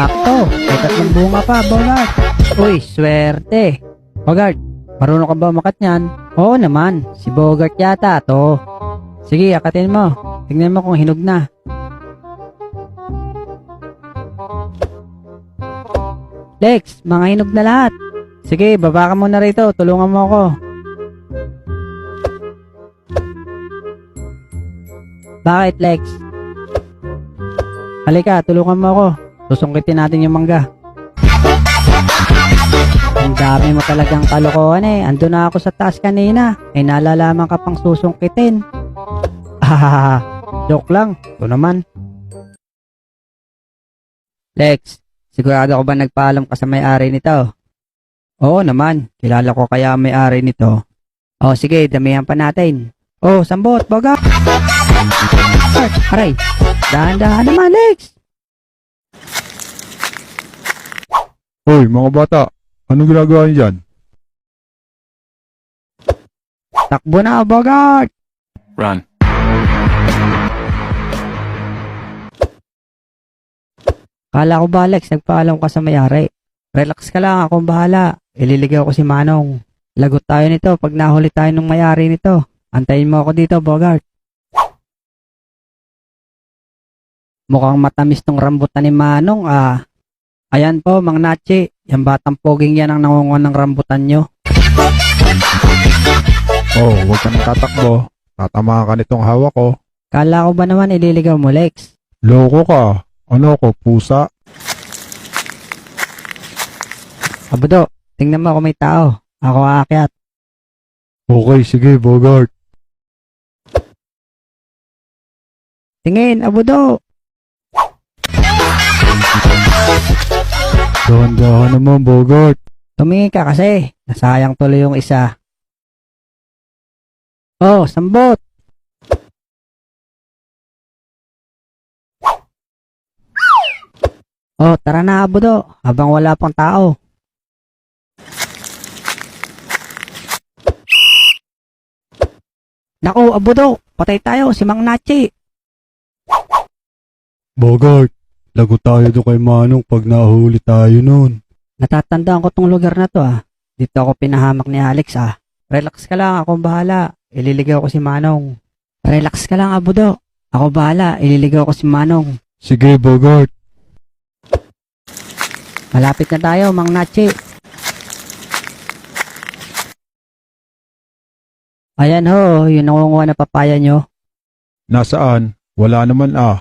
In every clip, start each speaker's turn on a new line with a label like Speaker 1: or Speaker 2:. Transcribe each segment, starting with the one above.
Speaker 1: Sakto. May tatlong bunga pa, Bogart. Uy, swerte. Bogart, marunong ka ba umakat niyan? Oo naman, si Bogart yata to. Sige, akatin mo. Tingnan mo kung hinog na. Lex, mga hinog na lahat. Sige, baba ka muna rito. Tulungan mo ako. Bakit, Lex? Halika, tulungan mo ako. Susungkitin natin yung mangga. Ang dami mo talagang kalokohan eh. Ando na ako sa taas kanina. Ay nalalaman ka pang susungkitin. Ah, joke lang. Ito naman. Lex, sigurado ko ba nagpaalam ka sa may-ari nito? Oo naman. Kilala ko kaya ang may-ari nito. Oh, sige, damihan pa natin. Oh, sambot, baga. Aray, dahan-dahan naman, Lex.
Speaker 2: Hoy, mga bata, anong ginagawa niyo dyan?
Speaker 1: Takbo na, Bogart.
Speaker 3: Run.
Speaker 1: Kala ko ba, Lex, nagpaalam ka sa may-ari? Relax ka lang, akong bahala. Ililigaw ko si Manong. Lagot tayo nito pag nahuli tayo ng may-ari nito. Antayin mo ako dito, Bogart. Mukhang matamis tong rambutan ni Manong, ah. Ayan po, Mang Nachi. Yung batang poging yan ang nangunguha ng rambutan nyo.
Speaker 2: Oh, huwag ka nang tatakbo. Tatamaan ka nitong hawak ko.
Speaker 1: Kala ko ba naman ililigaw mo, Lex?
Speaker 2: Loko ka. Ano ko, pusa?
Speaker 1: Abudo, tingnan mo kung may tao. Ako aakyat.
Speaker 2: Okay, sige, Bogart.
Speaker 1: Tingin, Abudo.
Speaker 2: Dahan-dahan naman, Bogart.
Speaker 1: Tumingin ka kasi. Nasayang tuloy yung isa. Oh, sambot. Oh, tara na, Abudo. Habang wala pang tao. Naku, Abudo. Patay tayo. Si Mang Nachi.
Speaker 2: Bogart, lagot tayo doon kay Manong pag nahuli tayo nun.
Speaker 1: Natatandaan ko tong lugar na to ah. Dito ako pinahamak ni Alex ah. Relax ka lang, akong bahala. Ililigaw ko si Manong. Relax ka lang, Abudo. Ako bahala, ililigaw ko si Manong.
Speaker 2: Sige, Bogart.
Speaker 1: Malapit na tayo, Mang Nachi. Ayan ho, yung nangunguha na papaya nyo.
Speaker 2: Nasaan? Wala naman ah.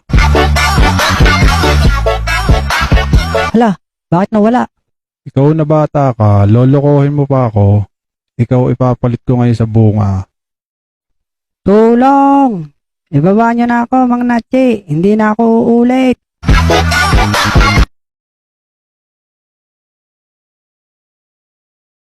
Speaker 1: Hala, bakit nawala?
Speaker 2: Ikaw na bata ka, lolokohin mo pa ako. Ikaw ipapalit ko ngayon sa bunga.
Speaker 1: Tulong! Ibaba nyo na ako, Mang Nachi. Hindi na ako uulit.